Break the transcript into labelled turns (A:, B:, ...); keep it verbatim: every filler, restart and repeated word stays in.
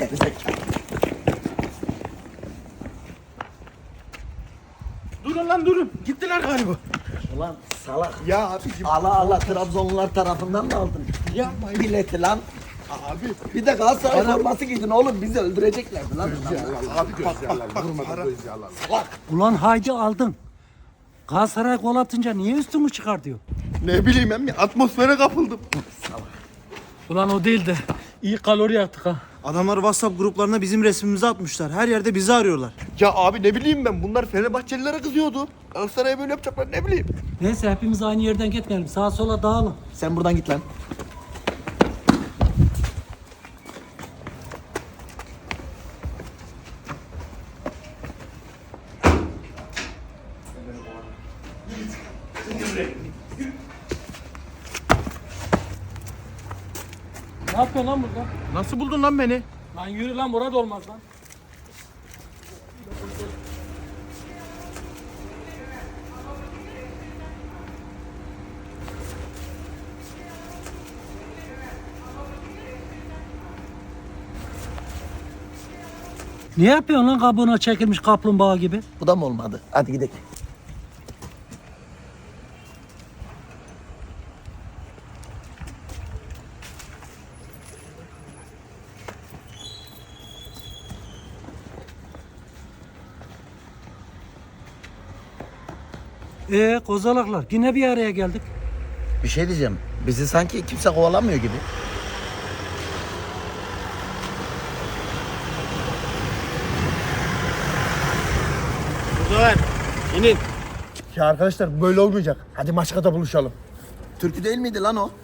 A: Durun lan durun. Gittiler galiba.
B: Ulan salak.
A: Ya abicim.
B: Allah Allah Trabzonlular tarafından mı aldın?
A: Yapmayın.
B: Bileti lan.
A: Abi.
B: Bir de Galatasaray forması giydin oğlum bizi öldüreceklerdi lan.
A: Abi göz yerler. Vurmadan göz yerler.
B: Salak.
C: Ulan haydi aldın. Galatasaray gol atınca niye üstümü çıkar diyor.
A: Ne bileyim emmi atmosfere kapıldım.
C: Ulan o değil de iyi kalori yaktık ha.
D: Adamlar WhatsApp gruplarına bizim resmimizi atmışlar. Her yerde bizi arıyorlar.
A: Ya abi ne bileyim ben bunlar Fenerbahçelilere kızıyordu. Galatasaray'a böyle yapacaklar ne bileyim.
C: Neyse hepimiz aynı yerden gitmeyelim. Sağa sola dağılın.
B: Sen buradan git lan.
C: Ne yapıyorsun lan burada?
A: Nasıl buldun lan beni?
C: Lan yürü lan burada olmaz lan. Ne yapıyorsun lan kabuğuna çekilmiş kaplumbağa gibi?
B: Bu da mı olmadı? Hadi gidelim.
C: Ee kozalaklar yine bir araya geldik.
B: Bir şey diyeceğim. Bizi sanki kimse kovalamıyor gibi.
A: Muzaffer inin. Ya arkadaşlar böyle olmayacak. Hadi Maçka'da buluşalım.
B: Türkü değil miydi lan o?